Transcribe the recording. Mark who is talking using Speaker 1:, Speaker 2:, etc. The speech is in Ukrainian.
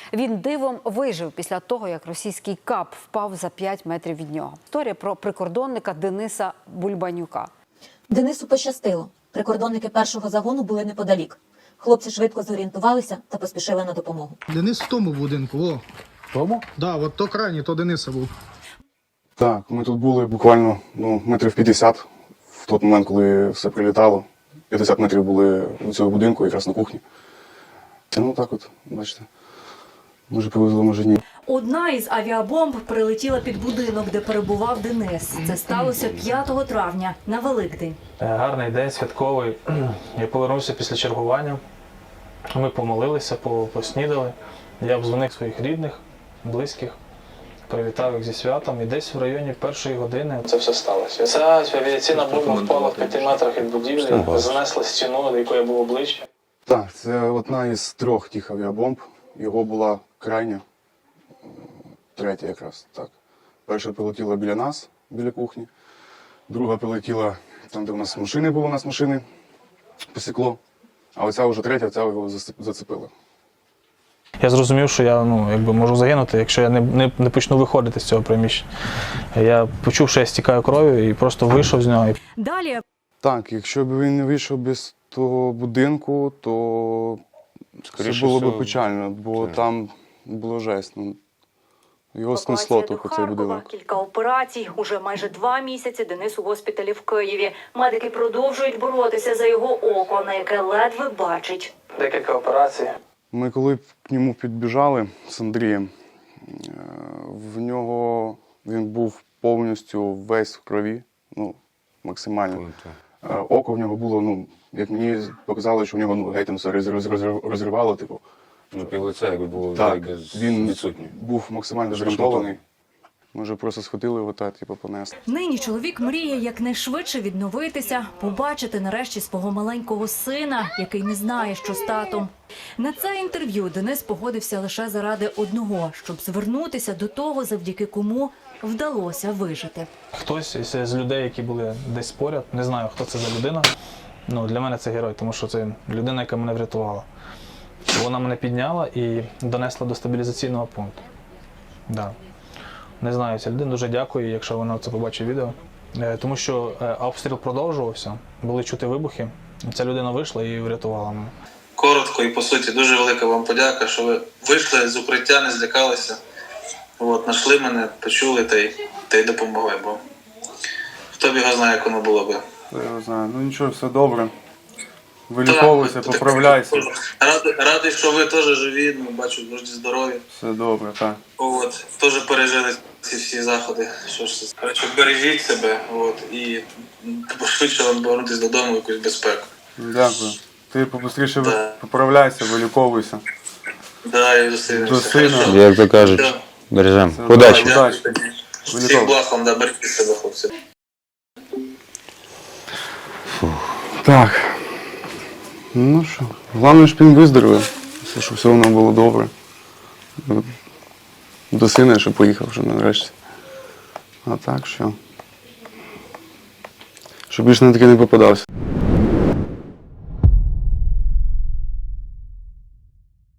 Speaker 1: Він дивом вижив після того, як російський КАП впав за 5 метрів від нього. Історія про прикордонника Дениса Бульбанюка.
Speaker 2: Денису пощастило. Прикордонники першого загону були неподалік. Хлопці швидко зорієнтувалися та поспішили на допомогу.
Speaker 3: Денис в тому будинку, о.
Speaker 4: Тому?
Speaker 3: Да, от то крайній, то Дениса був.
Speaker 5: Так, ми тут були буквально метрів 50 в той момент, коли все прилітало. 50 метрів були у цього будинку, якраз на кухні. Так от, бачите, може повезло, може ні.
Speaker 6: Одна із авіабомб прилетіла під будинок, де перебував Денис. Це сталося 5 травня, на Великдень.
Speaker 4: Гарний день, святковий. Я повернувся після чергування. Ми помолилися, поснідали. Я обдзвонив своїх рідних, близьких, привітав їх зі святом. І десь в районі 1-ї години це все сталося. Ця авіаційна бомба впала в 5 метрах від будівлі, занесла стіну, до якої було обличчя.
Speaker 5: Так, це одна із 3 тих авіабомб. Його була крайня, 3-я якраз, так. Перша прилетіла біля нас, біля кухні. Друга прилетіла там, де у нас машини були, у нас машини посікло. А оця вже 3-я, ця його зацепила.
Speaker 4: Я зрозумів, що я можу загинути, якщо я не почну виходити з цього приміщення. Я почув, що я стікаю кров'ю і просто вийшов з нього.
Speaker 6: Далі
Speaker 5: Так, якщо б він не вийшов без того будинку, то це було б печально, бо там було жесть. Його снесло тільки цей будинок.
Speaker 6: Кілька операцій. Уже майже 2 місяці Денис у госпіталі в Києві. Медики продовжують боротися за його око, на яке ледве бачить.
Speaker 4: Декілька операцій.
Speaker 5: Ми коли к ньому підбіжали з Андрієм, він був повністю весь в крові, максимально. Око в нього було, як мені показали, що в нього геть все розривало, типу.
Speaker 7: Півлиця, якби було
Speaker 5: Він був максимально зремонтований. Ми вже просто схватили його та понесли.
Speaker 6: Нині чоловік мріє якнайшвидше відновитися, побачити нарешті свого маленького сина, який не знає, що з татом. На це інтерв'ю Денис погодився лише заради одного, щоб звернутися до того, завдяки кому вдалося вижити.
Speaker 4: Хтось з людей, які були десь поряд, не знаю, хто це за людина. Для мене це герой, тому що це людина, яка мене врятувала. Вона мене підняла і донесла до стабілізаційного пункту. Да. Не знаю, ця людина, дуже дякую, якщо вона це побачить відео. Тому що обстріл продовжувався, були чути вибухи. Ця людина вийшла і врятувала мене.
Speaker 8: Коротко і по суті, дуже велика вам подяка, що ви вийшли з укриття, не злякалися. Знайшли мене, почули та й допомогли, бо хто б його знає, як воно було би.
Speaker 5: Я не знаю, нічого, все добре. Виліковуйся, поправляйся.
Speaker 8: Радий, що ви теж живі, бачу, дуже здорові.
Speaker 5: Все добре, так.
Speaker 8: Теж пережили ці всі заходи. Коротше, бережіть себе, і пошвидше вам повернутися додому в якусь безпеку.
Speaker 5: Дякую. Ти побыстріше поправляйся, виліковуйся.
Speaker 8: Да, і зустрінемося.
Speaker 5: До сина.
Speaker 7: Як то кажуть, бережемо. Удачі.
Speaker 8: Всіх благ вам, бережіть себе, хлопці.
Speaker 5: Так. Що, головне, щоб він виздоровив, щоб все воно було добре. До сина, щоб поїхав вже нарешті. А так, що? Щоб більше на таке не попадався.